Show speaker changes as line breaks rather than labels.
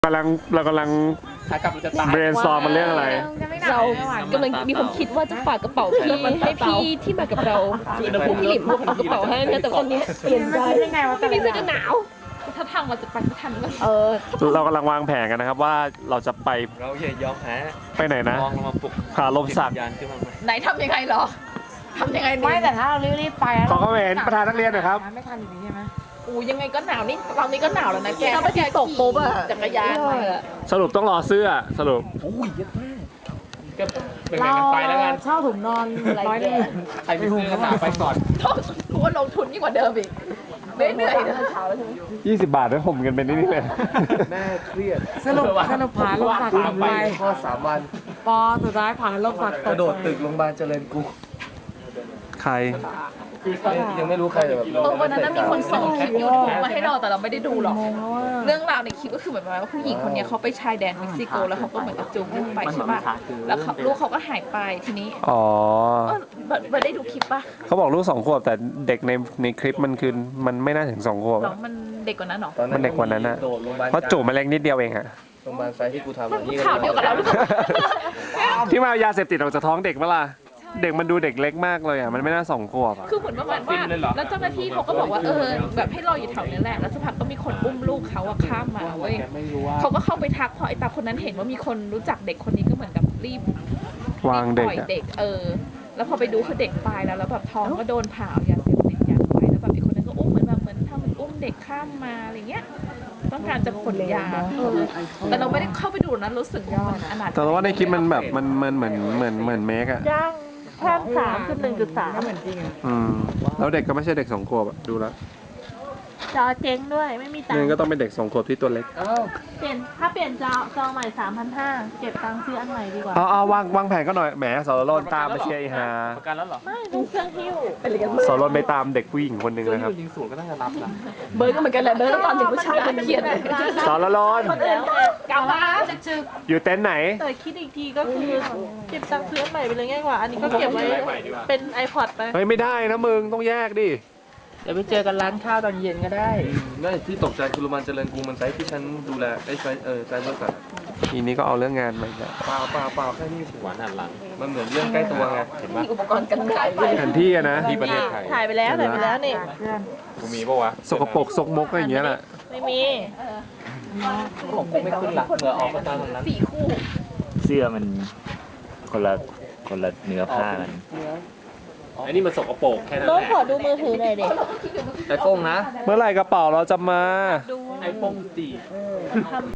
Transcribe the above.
เรากำลังเบรนซอร์มันเรื่องอะไร
เรากำลังมีความคิดว่าจะฝากกระเป๋าพี่ให้พี่ที่มากับเราพี่หลิมเอากระเป๋าให้นะแต่ตอนนี้เปลี่ยนใจพี่นี่จะหนาวถ้าทางเราจะไปไม่ทัน
เรากำลังวางแผนกันนะครับว่าเราจะไป
เราอย่ายอมแพ้
ไปไหนนะ
มองลงมาปลุก
หาลมสัก
ยานขึ้นมา
ไหนทำยังไงหรอทำยังไง
ไม่แต่ถ้าเรารีบไป
ขอคอมเมนต์ประธานนักเรียนหน่อยครับ
ไม่ทันอยู่ดีใช่ไหม
ยังไงก็หนาวนี่ตอนนี้ก็หนาวแล้วนะแกถ้าไปตกปุ๊บอะจักรยาน
สรุปต้องรอเสื้อสรุป
โอ้ยเยอะมากก็เป็นไงกันไปแล้วกัน
เช่าถุงนอนร้อยนึง
ใครไปซื้อกันหนาไปก่อน
ทุกคนลงทุนยิ่งกว่าเดิมอีกเหนื่อยนะเช้าแล้วใช่ไหม
20 บาทด้วยผมกันเป็นนี่เลย
แม่เครียด
สรุปผ่านลมสัก3 วัน
พ่อ3 วัน
ปอสุดท้ายผ่านลมสัก
กระโดดตึกโรงพยาบาลเจริญกรุง
ใคร
ยังไม่รู้ใครแต่แบบ
วันนั้นมีคนส่งคลิปยูทูบมาให้เราแต่เราไม่ได้ดูหรอกเรื่องราวในคลิปก็คือแบบว่าผู้หญิงคนนี้เขาไปชายแดนเม็กซิโกแล้วเขาก็เหมือนกับจูงลูกไปใช่ป่ะแล้วลูกเขาก็หายไปทีนี้ไม่ได้ดูคลิปป่ะ
เขาบอกลูก2 ขวบแต่เด็กในคลิปมันคือมันไม่น่าถึง2 ขวบ
มันเด็กกว่านั้นหรอ
มันเด็กกว่านั้นนะเพราะจูบมันเล็กนิดเดียวเองอะ
โรงพยาบาลไซที่กูทำ
ข่าวเดียวกับเราหรือเปล่า
ที่มายาเสพติดออกจากท้องเด็กเปล่าเด็กมันดูเด็กเล็กมากเลยอ่ะมันไม่น่า2 ขวบ
คือเหมือนประมาณว่าแล้วเจ้าหน้าที่เขาก็บอกว่าแบบให้รออยู่แถวนี้แหละแล้วสักพักก็มีคนอุ้มลูกเขาข้ามมาเว้ยเขาก็เข้าไปทักพอไอ้ตาคนนั้นเห็นว่ามีคนรู้จักเด็กคนนี้ก็เหมือนกับรีบ
วางเด็ก
แล้วพอไปดูคือเด็กตายแล้วแบบท้องก็โดนผ่ายาเสพติดยัดไว้แล้วแบบอีกคนนั้นก็อุ้มเหมือนทำอุ้มเด็กข้ามมาอะไรเงี้ยต้องการจะขนยาแต่เราไม่ได้เข้าไปดูนะรู้สึกว่ามันอนาถ
แต่ว่าในคลิปมันแบบมันเหมือนเมกอะ
แค่3.1.3เหมือนจริง
แล้วเด็กก็ไม่ใช่เด็ก2 ขวบอะดูแล้ว
จอเจ๊งด้วยไม่มีตังค์
นี่ก็ต้องเป็นเด็ก2 ขวบที่ตัวเล็ก
ถ้าเปลี่ยนจอใหม่ 3,500เก็บตังค์ซื้ออันใหม่ดีกว่า
เอาวางแผนก็หน่อยแหมสรนตามไปเชียร์อีฮา
ประกันแล้วเหรอ
ไม่ดูเครื่องหิ้ว
สรนไปตามเด็กผู้หญิงคนหนึ่งนะครับ
ยิงสูงก็ต้องจะรับนะ
เบิร์ดก็เหมือนกันแหละเบิร์ดตอนเด็กผู้ชายเขียน
สรน
กล่าวว่า
อยู่เต็นท์ไหน
แต่คิดอีกทีก็คือเก็บตังค์ซื้ออันใหม่ไปเลยง่ายกว่าอันนี้ก็เก็บไว้เป็น iPod ไป
เฮ้ยไม่ได้นะมึงต้องแยกดิ
เดี๋ยวไปเจอกันร้านข้าวตอนเย็นก็ได้
นั่นที่ตกใจคือโรงพยาบาลเจริญกรุงมันไซต์ที่ฉันดูแลไซต์บริษัท
ทีนี้ก็เอาเรื่องงานมาแล้ว
เปล่าแค่นี้หวานหันหลังมันเหมือนเรื่องใกล้ตัวไงเห็นปะ
อุปกรณ์กันไกล
แผนที่นะ
ที่ประเทศไทย
ถ่ายไปแล้วนี่
กูมีปะวะ
สกปรกซกมกอะไรอย่างเงี้ยแหละ
ไม่มี
ของกูไม่ขึ้นหลักเหงื่อออกมาตอนนั้น
4 คู่
เสื้อมันคนละเนื้อผ้ากัน
ไอ้นี่มันสกปรกแค่นั้นแหละ
ขอดูมือถือหน่อยเด็ก
ไอโฟนนะ
เมื่อไหร่กระเป๋าเราจะมา
ไอโฟน4